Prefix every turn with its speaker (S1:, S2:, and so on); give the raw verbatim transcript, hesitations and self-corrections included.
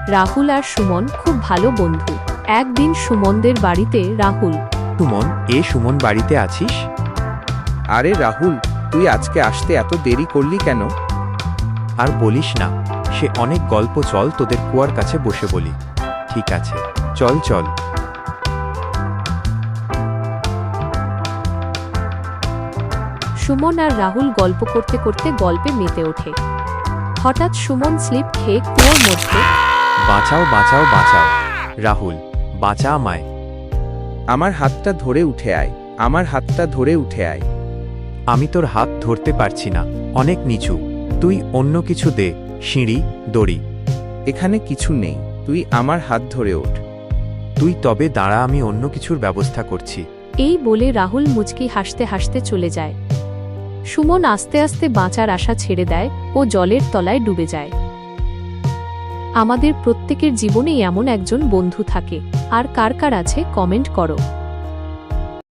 S1: রাহুল আর সুমন খুব ভালো বন্ধু। একদিন সুমনদের বাড়িতে রাহুল।
S2: সুমন, এ সুমন বাড়িতে আছিস?
S3: আরে রাহুল, তুই আজকে আসতে এত দেরি করলি কেন?
S2: আর বলিস না, সে অনেক গল্প। চল তোদের কুয়ার কাছে বসে বলি। ঠিক আছে, চল চল।
S1: সুমন আর রাহুল গল্প করতে করতে গল্পে মেতে ওঠে। হঠাৎ সুমন স্লিপ খেয়ে কুয়োর মধ্যে।
S2: বাঁচাও বাঁচাও বাঁচাও, রাহুল বাঁচা আমায়।
S3: আমার হাতটা ধরে উঠে আয়, আমার হাতটা ধরে উঠে আয়।
S2: আমি তোর হাত ধরতে পারছি না, অনেক নিচু। তুই অন্য কিছু দে, সিঁড়ি, দড়ি।
S3: এখানে কিছু নেই, তুই আমার হাত ধরে ওঠ।
S2: তুই তবে দাঁড়া, আমি অন্য কিছুর ব্যবস্থা করছি।
S1: এই বলে রাহুল মুচকি হাসতে হাসতে চলে যায়। সুমন আস্তে আস্তে বাঁচার আশা ছেড়ে দেয় ও জলের তলায় ডুবে যায়। আমাদের প্রত্যেকের জীবনেই এমন একজন বন্ধু থাকে, আর কার কার আছে কমেন্ট করো।